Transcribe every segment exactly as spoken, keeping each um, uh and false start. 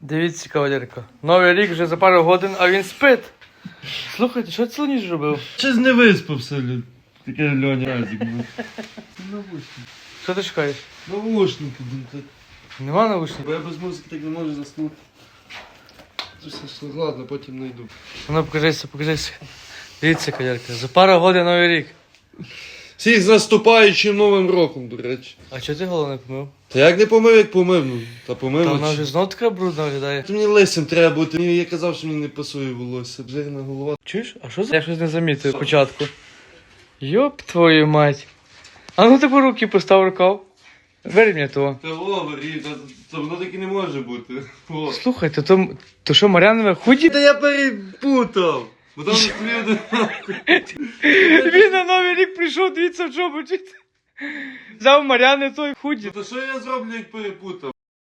Дивіться, кавалерка. Новий рік вже за пару годин, а він спить. Слухайте, що цілу ніч робив? Щось не виспався, Лю. Таке Льоня разик був. Навушники. Що ти шукаєш? Навушники, блін. так. Нема наушників? Бо я без музики так не можу заснути. Все, ладно, потім знайду. Ну, покажися, покажися. Дивіться, кавалерка, за пару годин новий рік. Всіх з наступаючим Новим роком, до речі. А чого ти голову не помив? Та як не помив, як помив, ну. Та помив. Та вона очі. вже знов така брудна виглядає. Мені лисим треба бути. Мені я казав, що мені не пасує волосся. Жирна голова. Чуєш? А що за... Я щось не замітив спочатку. Йоп твою мать. А ну таку руки постав рукав. Бери мені того. Та говори, та, та воно так і не може бути. О. Слухай, то, то, то що, Мар'янове худі? Та я перепутав. Бо там люди... Він на новий рік прийшов, дивіться, в чому вчити. Взяв Мар'яни той худі. Та що я зроблю, як перепутав?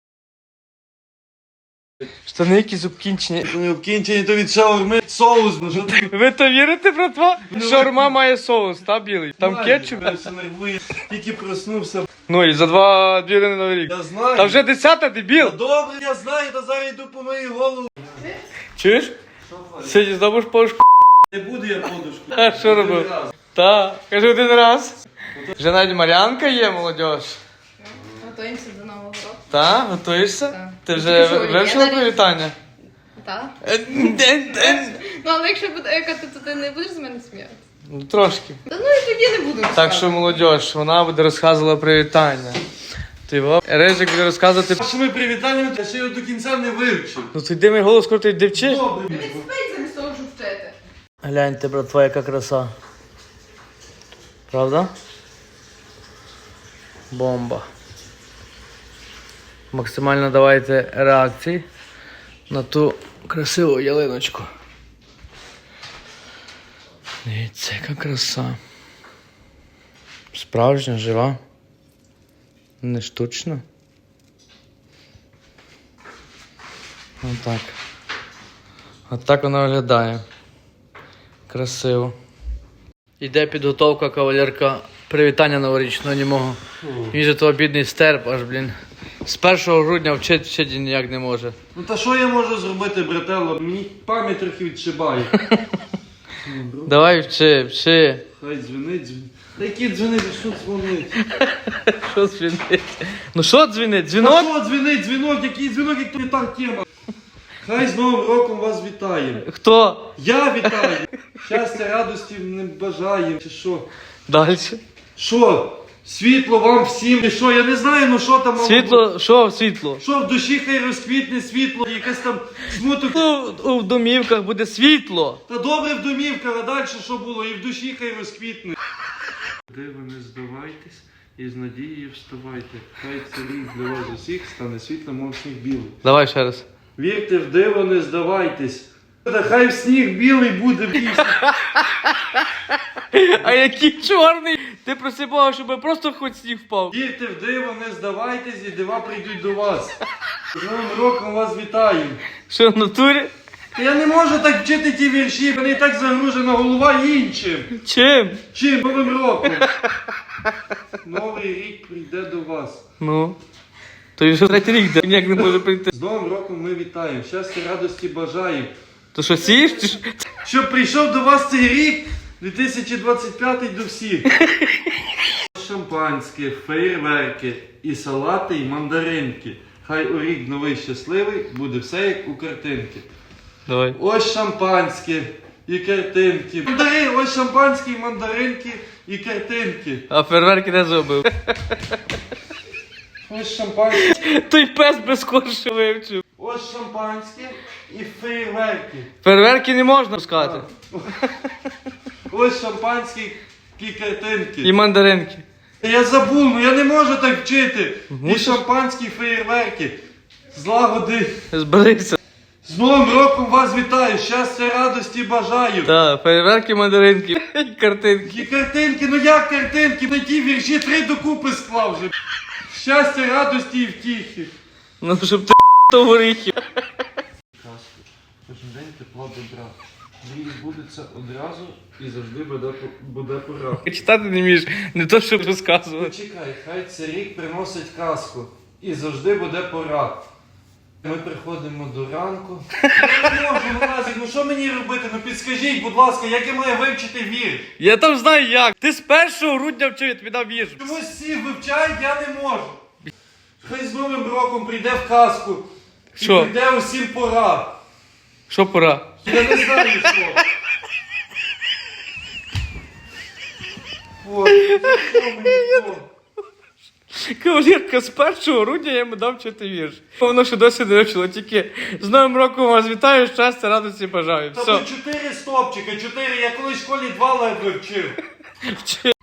Штани якісь обкінчені. Не обкінчені, то від шаурми соус, ну що ти? Ви то вірите, братва? Шаурма має соус, та білий. Там Знаю, кетчуп. я все нервую. Тільки проснувся. Ну і за два дві години новий рік. Я знаю. Та вже десята, Та дебіл. добре, я знаю, та зараз йду по моїй голову. Чуєш? Сьогодні здобуш пошку. Не буду я подушку. А що робив? Та, кажи один раз. Вже навіть Мар'янка є, молодь. Готуємося до Нового року. Та, готуєшся? Так. Ти Тільки вже що, вивчила я на привітання? Так. Е, ден, ден. Ну, але якщо буде екати, то ти не будеш з мене сміятися. Ну, трошки. Та ну і тоді не буду. Так що, молодь, вона буде розказувала привітання. Ти во? Режик буде розказувати. Вашими привітаннями я ще його до кінця не вивчив. Ну ти йди мій голос крутий, де вчиш? Добре. Він спить замість того, щоб вчити. Гляньте, братва, яка краса. Правда? Бомба. Максимально давайте реакції на ту красиву ялиночку. Дивіться, яка краса. Справжня, жива. Не штучна. Отак. Отак вона виглядає. Красиво. Іде підготовка, кавалерка, привітання новорічного німого. Він же того бідний стерп, аж, блін. З першого грудня вчить вчити ніяк не може. Ну та що я можу зробити, брателло? Мені пам'ять трохи відшибає. Давай вчи, вчи. Хай дзвонить, дзвонить. Та які дзвонить, що дзвонить? Що дзвінить? Ну що дзвінить? Та Дзвінок? що дзвонить, дзвінок, який дзвінок, як то не та тема. Хай з Новим роком вас вітає. Хто? Я вітаю. Щастя, радості не бажаю, чи що? Далі. Що? Світло вам всім. І що? Я не знаю, ну що там. мало бути. Світло, що світло? Що в душі хай розквітне світло, якесь там смуток. Ну, у домівках буде світло. Та добре в домівках, а далі що було? І в душі хай розквітне. Диво, не здавайтесь і з надією вставайте. Хай цей рік для вас усіх стане світлом, мов сніг білий. Давай ще раз. Вірте в диво, не здавайтесь. Та хай в сніг білий буде в пісні. А який чорний? Ти проси Бога, щоб просто хоч сніг впав. Вірте в диво, не здавайтесь і дива прийдуть до вас. З Новим роком вас вітаю. Що в натурі? Та я не можу так вчити ті вірші, мене і так загружена голова іншим. Чим? Чим? Новим роком. Новий рік прийде до вас. Ну. То він вже третій рік, де ніяк не може прийти. З Новим роком ми вітаємо. Щастя, радості бажаємо. То що, сієш? Чи що? Щоб прийшов до вас цей рік, дві тисячі двадцять п'ятий до всіх. Шампанське, феєрверки, і салати, і мандаринки. Хай у рік новий щасливий буде все як у картинки. Давай. Ось шампанське і картинки. Мандарин, ось шампанське, і мандаринки і картинки. А фейерверки не зробив. Ось шампанське, Той пес без коршу вивчив. ось шампанське і феєрверки. Фейерверки не можна пускати. Ось шампанське і картинки. І мандаринки. Я забув, ну я не можу так вчити. Мусиш. І шампанські феєрверки. Злагоди. Зберися. З Новим роком вас вітаю. Щастя, радості бажаю. Так, фейерверки, мандаринки і картинки. І картинки, ну як картинки? На ті вірші три докупи склав вже. Щастя, радості і втіхи. Ну, щоб ти то горіхи. Кожен день тепла добра. Мрії збудеться одразу і завжди буде, буде пора. Читати не вмієш, не то, щоб розказувати. Почекай, хай цей рік приносить казку. І завжди буде пора. Ми приходимо до ранку. Я не можу, Мразик, ну що мені робити? Ну підскажіть, будь ласка, як я маю вивчити вірш? Я там знаю як. Ти з першого грудня вчив, я тобі дав вірш. Чомусь всі вивчають, я не можу. Хай з Новим роком прийде в казку. І Що? прийде усім пора. Що пора? Я не знаю що. От, що мені то? Кавалерка, з першого грудня я йому дав вчити вірш. Воно ще досі не вивчило, тільки з Новим роком вас вітаю, щастя, радості бажаю. Та Все. тут чотири стопчика, чотири, я колись в школі два ледве вчив. Вчи.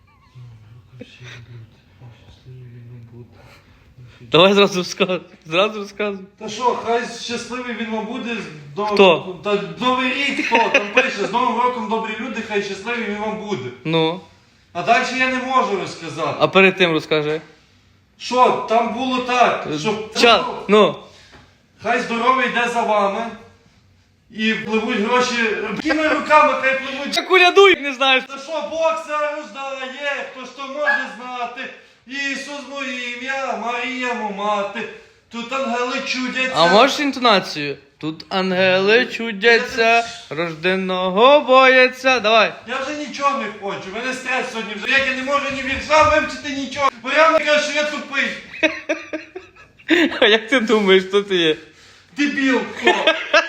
Давай зразу розказуй. Зразу розказуй. Та що, хай щасливий він вам буде. До... Хто? Та Новий рік хто? Там пише, з Новим роком добрі люди, хай щасливий він вам буде. Ну. А далі я не можу розказати. А перед тим розкажи. Що, там було так, що Час. Ну. хай здоровий йде за вами. І пливуть гроші якими руками, хай пливуть. Та колядуй, не знаєш. Та що Бог це роздає, хто ж то може знати. Ісус моє ім'я, Марія му мати. Тут ангели чудяться. А можеш інтонацію? Тут ангели чудяться, рожденого бояться. Давай. Я вже нічого не хочу, в мене стрес сьогодні вже. Як я не можу ні вірша вивчити, нічого. Мар'яна каже, що я тупий. А як ти думаєш, хто ти є? Дебіл, хто?